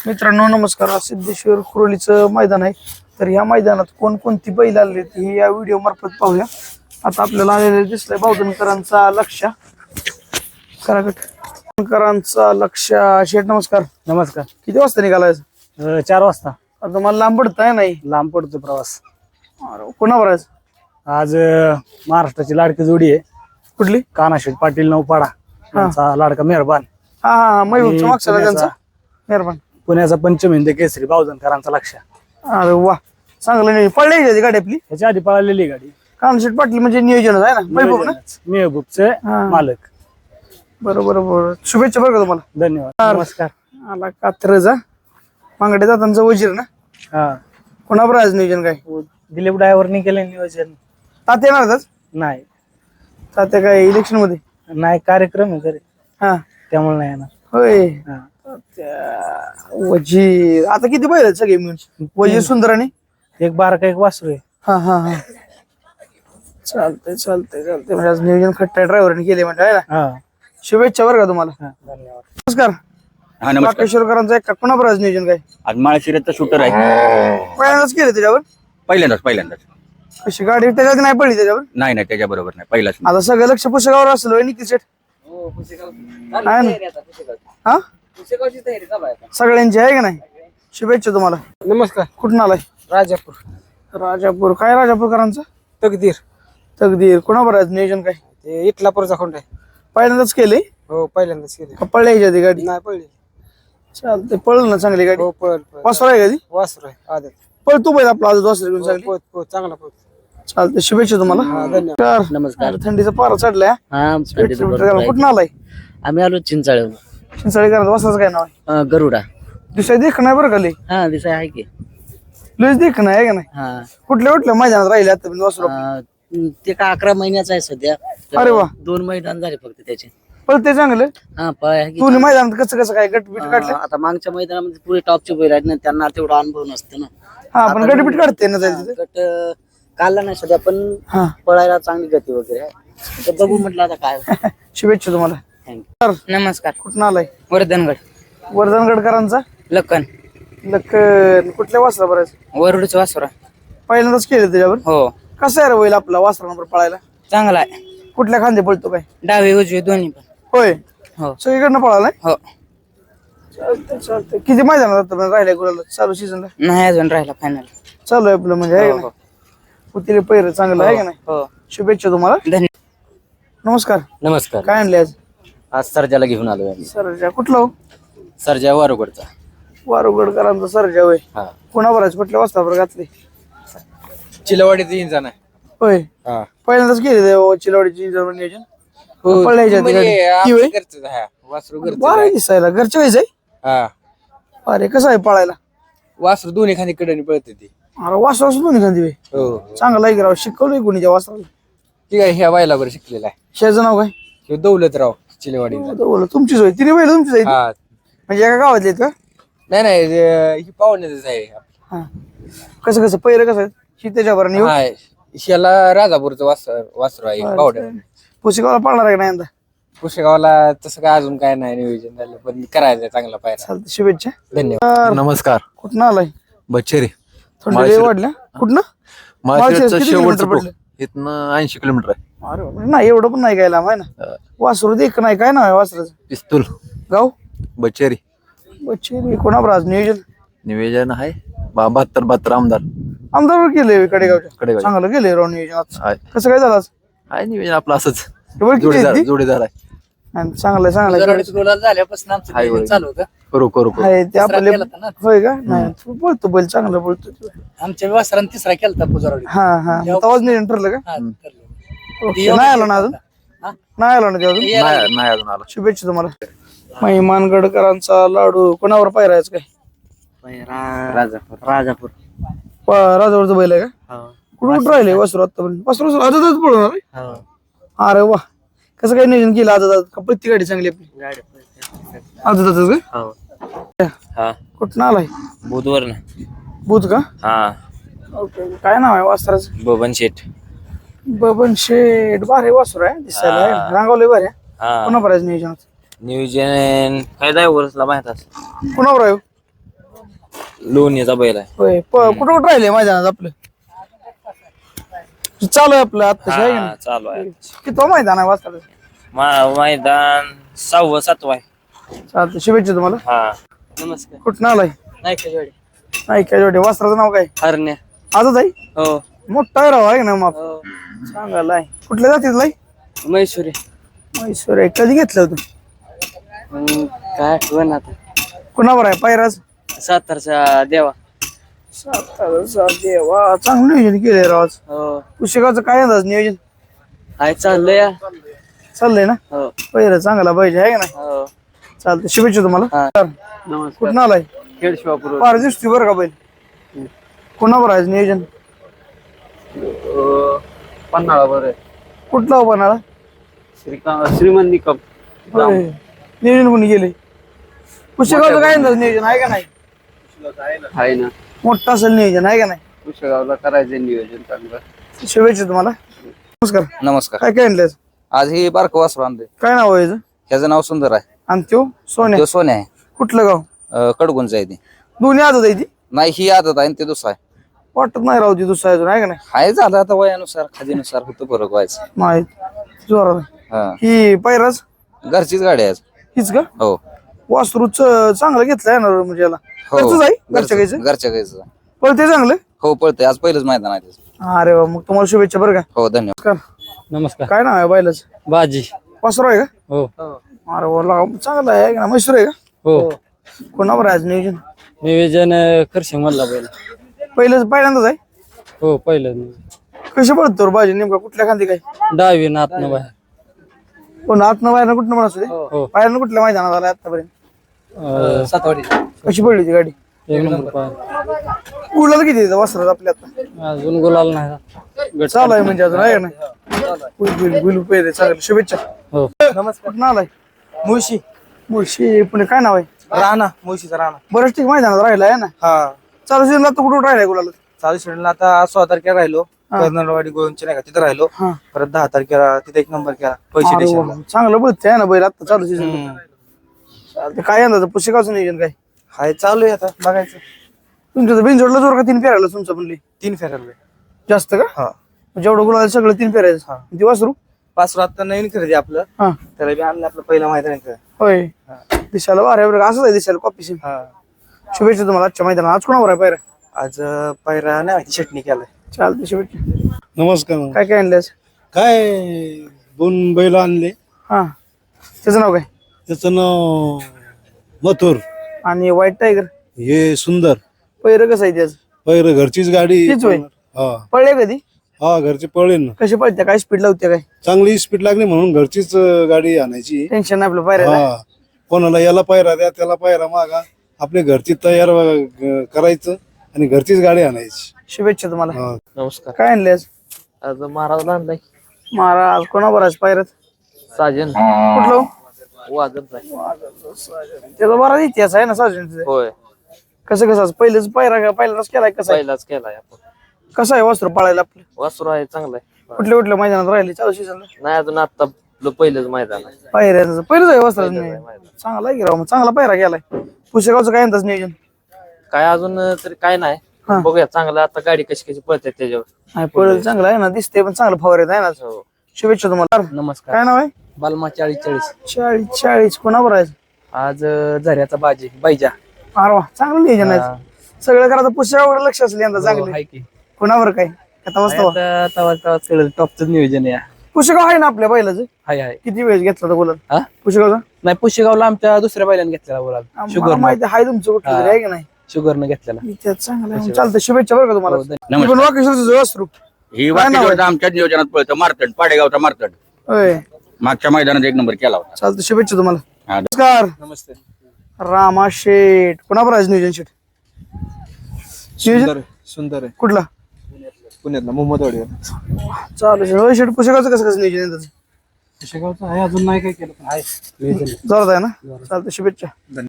मित्रांनो नमस्कार. आज सिद्धेश्वर कुरोलीचं मैदान आहे. तर या मैदानात कोणकोणती बैल आलेली हे या व्हिडिओ मार्फत पाहूया. आता आपल्याला आलेले दिसलंय बावधनकरांचा लक्ष कराकरांचा लक्ष. शेठ नमस्कार. नमस्कार. किती वाजता निघालाय? 4 वाजता. आता मला लांब पडताय नाही? लांब पडतो प्रवास. कोणावर आहे आज? महाराष्ट्राची लाडकी जोडी आहे. कुठली? कानाशेठ पाटील नौपाडा यांचा लाडका मेहरबान. हा हा महबूबचा मागचा त्यांचा मेहरबान. पुण्याचा पंचमहिंद केसरी बावधनकरांचा लक्ष. अरे वा, चांगलं नाही पडले गाडी आपली. ह्याच्या आधी पळालेली गाडी. कानशेठ पाटील म्हणजे नियोजन आहे ना, महबूब ना, मेहबूबचे मालक. बरोबर बरोबर. शुभेच्छा बरं का तुम्हाला. धन्यवाद. नमस्कार. आला कात्रजा मांगडे जातांचा वजीर ना. हा, कोणावर आज नियोजन काय? दिलीप ड्रायव्हरनी केलं नियोजन. तात्या येणारच? नाही, तात्या काय इलेक्शन मध्ये? नाही, कार्यक्रम आहे घरी, हा त्यामुळे नाही येणार. होय. हा. वजीर आता किती बैल आहेत सगळे मिळून? वजीर सुंदर आणि एक बारका एक वासरू आहे. हा हा हा चालतंय चालतंय चालतंय. म्हणजे आज नियोजन खट्टा ड्रायव्हरने केले म्हणजे आहे ना. हा, शुभेच्छा बरं का तुम्हाला. धन्यवाद. नमस्कार. हा नमस्कार. राकेश्वरकरांचा एक कोणावर आज नियोजन काय? आज माळशिरसचा शूटर आहे. पहिल्यांदाच केलं त्याच्यावर? पहिल्यांदाच कशी गाडी त्याच्यात नाही पडली त्याच्यावर? नाही त्याच्या बरोबर नाही पहिलाच. आता सगळं लक्ष पुस्तकावर असेल होय निकी सेट? आहे ना. हा सगळ्यांची आहे का नाही? शुभेच्छा तुम्हाला. नमस्कार. कुठून आलाय? राजापूर. राजापूर. काय राजापूरकरांचा? तकदीर. तकदीर. कोणावर आज नियोजन काय? ते इटलापूरचा खोंड आहे. पहिल्यांदाच केले? हो, पहिल्यांदाच केले. का पळल्या ह्याच्या गाडी? नाही पडली. चालते. पळल ना चांगली गाडी? हो, पळ. वासर आहे कधी? वासरू आहे आदत. पळतो बैल आपला आज वासर घेऊन चांगली. पोत चांगला पोत. चालते. शुभेच्छा तुम्हाला. नमस्कार. नमस्कार. थंडीचा पारा चढलाय. हा, कुठून आलाय? आम्ही आलो चिंचाळे. चिंचाळीकरांचा वासराचं काय नाव आहे? गरुडा. दिसाय देख नाही बरं का लई? हा, दिसाय आहे की. लईच देख नाही आहे का नाही? हा, कुठल्या मैदानात राहिले आता वासरू? ते का 11 महिन्याचा आहे सध्या. अरे वा. 2 मैदान झाले फक्त त्याचे. पळते चांगलं. हा, पळ आहे की. दोन्ही मैदानात कसं काय गटबीट काढले? आता मागच्या मैदानामध्ये पुढे टॉपचे बैल आहेत ना, त्यांना तेवढा अनुभव नसतो ना. हा पण गटबीट काढते ना जायचं. गट काढला नाही सध्या, पण हा पळायला चांगली गती वगैरे आहे. तर बघू म्हटलं आता काय. शुभेच्छा तुम्हाला. थँक्यू. नमस्कार. कुठून आलाय? वर्धनगड. वर्धनगडकरांचा लक्कन. लक्कन. कुठल्या वासरा बरं? वरुडचं वासुरा. पहिल्यांदाच केलं त्याच्यावर? हो, कसं आहे रे बैल आपला वासरानंबर पळायला? चांगला आहे. कुठल्या खांदे पळतो काय? डावे उजवे दोन्ही पण. होय. हो सगळीकडनं पळालाय? हो. चालतंय चालतंय. किती मैदानात राहिलाय गुलाला चालू सीझनला? नाही अजून राहिला फायनल. चालू आहे आपलं म्हणजे आहे का नाही? पुतीले पैर चांगलं आहे का नाही? हो, शुभेच्छा तुम्हाला. धन्यवाद. नमस्कार. नमस्कार. काय आणले आज? आज सर्जाला घेऊन आलोय आम्ही. सरजा. कुठला हो? सर्जा वारुगडचा. वारुगडकरांचा सरजा होय. हा, कोणावर आहे? कुठल्या वाजतावर घातले? चिलवाडीचा इंजान आहे. होय. हा, पहिल्यांदाच केले चिलवाडीची नियोजन? हो, पळायच्या म्हणजे ती होय? घरचंच आहे. वासरू घरचं बरं आहे. दिसायला घरच्या वेळेस आहे. हा, अरे कसं आहे पळायला? वासरू दोन्ही खाली कडे पळते ती. अरे वासरा सुद्धा निघाली वे. हो, चांगला आहे की राव. शिकवलंय कोणी त्या वासराला? ठीक आहे. ह्या बायला बरं शिकलेला आहे. शेजाचं नाव काय? ह्यो दौलतराव चिलवाडीचा. बोला तुमचीच होय. तिने बैल तुमचीच आहे? हा, म्हणजे एका गावातले आहेत का? नाही ही पाहुण्याच आहे. हा. कसं कसं पहिलं कसं ही त्याच्यावर नेऊ? हा, ह्याला राजापूरचं वासरू आहे पावड्या. पुसेगावला पळणार आहे का नाही यंदा? पुशेगावला तसं काय अजून काय नाही नियोजन झालं, पण करायचं चांगला पायरा. चालतं. शुभेच्छा. धन्यवाद. नमस्कार. कुठं आलाय? बच्चेरी. थंडी लय वाढल्या. कुठनं? माळशिरसचं किती शेवटचं किलोमीटर टोक. पडलं? इथनं 80 किलोमीटर आहे. अरे बापरे. नाही एवढं पण नाही गायला आहे ना. वासरू देख नाही. काय नाव आहे वासराचं? पिस्तूल. गाव? बच्चेरी. बच्चे. कोणावर आज नियोजन? निवेदन आहे 72 आमदार आमदार केले कडेगावच्या. कडेगाव चांगलं गेले राव नियोजन आज. आहे. कसं काय झालं आज? आहे निवेदन आपलं असंच एवढं किती आहेत ती? जोडीदार आहे. आणि चांगलं आहे, चांगलं आहे. झाल्यापासून आमचं हाय, नियोजन होय. चालू होतं. करू आहे ते आपले. केला होता ना. होय का? नाही तू बोलतो बैल चांगलं बोलतो तू. आमच्या वासरान तिसरा केलता पुजारवाडी. हा हा. तेव्हाच नियोजन ठरलं का? हा, ठरलं. ओके. नाही आलो ना अजून? हा? नाही आलो ना ते अजून? नाही अजून आला. शुभेच्छा तुम्हाला. महिमानगडकरांचा लाडू कोणावर पायरायचं काय? राजापूर. राजावरचं बैल आहे का? कुठं कुठं राहिले वासरू आतापर्यंत? वासरू आजच पळणार आहे? अरे वा. कसं काय नियोजन केलं आज? का प्रत्येक गाडी चांगली आपली? आजच का? कुठं आलाय? बुधवार ना. बुध का? हा, ओके. काय नाव आहे वासराचं? बबन शेठ. बबन शेठ. बारे वासरू आहे दिसायला. रांगावले बरे. हा, कोणावर आहे नियोजन? नियोजन काय वर्षला माहित असं. कोणावर आहे? लोणीचा बैल आहे. होय कुठं कुठं राहिले मैदानात आपलं चालू आहे आपलं आता आहे का नाही? चालू आहे. किती मैदान आहे वाजता मैदान 6व 7व आहे. चालतं शुभेच्छा तुम्हाला. हा नमस्कार. कुठं आलाय नाही का जोडी नाही काय जोडे वस्त्राचं नाव काय हरण्या. आजच आहे हो मोठा आहे राव आहे ना मग चांगला आहे कुठल्या जातीत लाई मैसुरी. म्हैसूर आहे कधी घेतलं होतं काय आठवण आता. कुणावर आहे पायराज सातारचा देवा. देवा चांगलं नियोजन केलंय राव आज. हो पुस्तकाचं काय अंदाज नियोजन आहे चाललंय या. चाललंय ना हो पहिलं चांगला पाहिजे आहे का नाही हो. चालतं शुभेच्छा तुम्हाला कुठं आलाय खेड शिवापूर. फार दिसतोय बरं का बैल कोणावर आहे नियोजन पन्हाळा बरं आहे. कुठला हो बनाळा श्रीमंत निकम. नियोजन कोणी गेले पुस्तकाचं काय अंदाज नियोजन आहे का नाही आहे ना. मोठं असेल नियोजन आहे का नाही कुशगावला करायचं नियोजन चांगलं. शुभेच्छा तुम्हाला नमस्कार नमस्कार. काय काय आणलं आज ही बारकं वासरू आणलंय. काय नाव आहे याचं? ह्याचं नाव सुंदर आहे. आणि त्यो सोन्या तो सोन्या आहे. कुठलं गाव कडगुंच आहे ती. दोन्ही आदत आहे ती नाही ही आदत आहे आणि ते दुसरा आहे. वाटत नाही राहू ती दुसरा अजून आहे का नाही हाय झालं आता वयानुसार खादीनुसार होतं फरक व्हायचं. माहित जोरात आहे. हा ही पायराज घरचीच गाडी आहे आज. हीच का हो वासरूच चांगलं घेतलंय ना म्हणजे याला हो घरचंच आहे घरच्या गायचं घरच्या गायचं. पण ते चांगलं हो पळतंय आज पहिलंच मैदान आहे त्याचं. अरे वा मग तुम्हाला शुभेच्छा बरं का हो धन्यवाद. नमस्कार नमस्कार. काय नाव आहे बैलाच बाजी. वासरू आहे का हो अरे वा चांगलं आहे ना म्हैसूर आहे का हो. कोणावर आहे आज नियोजन नियोजन करशिंग मधला बैल. पहिल्यांदाच आहे हो पहिलं कशी पडतो भाजी नेमका कुठल्या खांदी काय डावी नातनं बाहेर. कोण आतनं बाहेर कुठनं म्हणत होते हो बाहेरनं कुठल्या मैदानात आला आतापर्यंत सातवाडी. कशी पडली ती गाडी एक नंबर पाय. गुलाल किती येतं वासरात आपल्या आता अजून गुलाल नाही. चालू आहे म्हणजे अजून आहे का नाही गुलू पेरे चालेल शुभेच्छा हो नमस्कार कुठं आलाय मुळशी मुळशी पुणे काय नाव आहे राणा मुळशीचा राणा. बरंच ठीक मैदानात राहिला आहे ना हा चालू सीझनला तर कुठं राहिलाय गुलाल चालू शेड्यूलला आता 16 तारखेला राहिलो. कर्नाटकवाडी गोविंदची नाही का तिथं राहिलो. हा परत 10 तारखेला तिथे 1 नंबर केला पैसे अरे देशाला. वा, चांगलं बोलते आहे ना बैल आता चालू सीझन चालते काय अंदाज पुस्तकाचं नियोजन काय हाय चालू आहे आता बघायचं. तुमच्या तर बिनजोडला जोर का 3 फेरायला तुमचं म्हणली 3 फेरायला. जास्त का हा जेवढं गुलाल सगळं 3 फेरायचं ती वासरू 5 आता नवीन खरेदी आपलं. हा त्याला बी आणलं आपलं पहिलं मैदान आहे. होय दिसायला वारे बरं असंच आहे दिसायला कॉपी सिम हा शुभेच्छा तुम्हाला आजच्या मैदानात आज कोणावर आहे पायऱ्या आज पायरा नाही माहिती चटणी केलाय. चालते शुभेच्छा नमस्कार. काय काय आणलं काय 2 बैल आणले. हा त्याचं नाव काय त्याचं नाव मथुर. आणि व्हाईट टायगर हे सुंदर. पहिरं कसं आहे त्याचं पहिलं घरचीच गाडी. तीच होय हा पळले कधी हा घरचे पळले ना. कशी पळते काय स्पीड लावते काय चांगली स्पीड लागली म्हणून घरचीच गाडी आणायची. टेन्शन नाही आपलं पायऱ्या हा कोणाला याला पायरा द्या त्याला पायरा मागा आपली घरची तयार करायचं आणि घरचीच गाडी आणायची. शुभेच्छा तुम्हाला हा. नमस्कार. काय आणले आज आज महाराजला आणलाय महाराज कोणावर आज पायऱ्यात साजन. कुठलं वाजत आहे. त्याचा बराच इतिहास आहे ना साजन होय कसं कसं आज पहिलेच पायरा पहिलाच केलाय कसं आहे पहिलाच केलाय आपण. कसं आहे वस्त्र पाळायला आपलं वासरू आहे चांगलं आहे. कुठल्या कुठल्या मैदानात राहिले चालू सीझनला नाही अजून आता आपलं पहिलंच मैदान आहे. पायऱ्याचं पहिलंच आहे वस्त्र चांगला आहे की राव मग चांगला पायरा गेलाय पुस्तकाचं काय अंदाज नियोजन काय अजून तरी काय नाही. हा. बघूया चांगलं आता गाडी कशी कशी पळते त्याच्यावर. नाही पळेल चांगलं आहे ना दिसते पण चांगलं फवारेत आहे ना हो. शुभेच्छा तुम्हाला नमस्कार. काय नाव आहे बालमा 40-40. 40 कोणावर आहे आज झऱ्याचा बाजी बाईजा. अरे वा चांगलं नियोजन आहे सगळं करा पुस्तकावर लक्ष असेल यंदा चांगलं हाय की कोणावर काय आता मस्त आता टॉपचं नियोजन आहे. पुस्तकाव आहे ना आपल्या बैलाचं हाय हाय. किती वेळ घेतला होता बोला हा? पुस्तकाचा नाही पुशेगावला आमच्या दुसऱ्या बैलाने घेतलेला बोलाल. मला माहिती आहे तुमचं कुठलं तरी आहे की नाही शुगरनं घेतलेला. त्यात चांगलं आहे. चालतं शुभेच्छा बरं का तुम्हाला हो, ती पण वाकेश्वरचं वासरू ही काय नाव आहे? वाकेश्वरचं आमच्या नियोजनात पळतं मारतड पाडेगावचा मारतड होय मागच्या मैदानात 1 नंबर केला होता. चालतं शुभेच्छा तुम्हाला हा. नमस्कार नमस्ते. रामा शेठ कोणावर आहे नियोजन शेठ नियोजन सुंदर आहे. कुठला पुण्यातला मोहम्मदवाडी. चालू होय शेठ पुस्तकाचं कसं कसं नियोजन आहे त्याचं पुशेगावचं आहे अजून नाही काय केलं पण आहे. जोरात आहे ना चालतं शुभेच्छा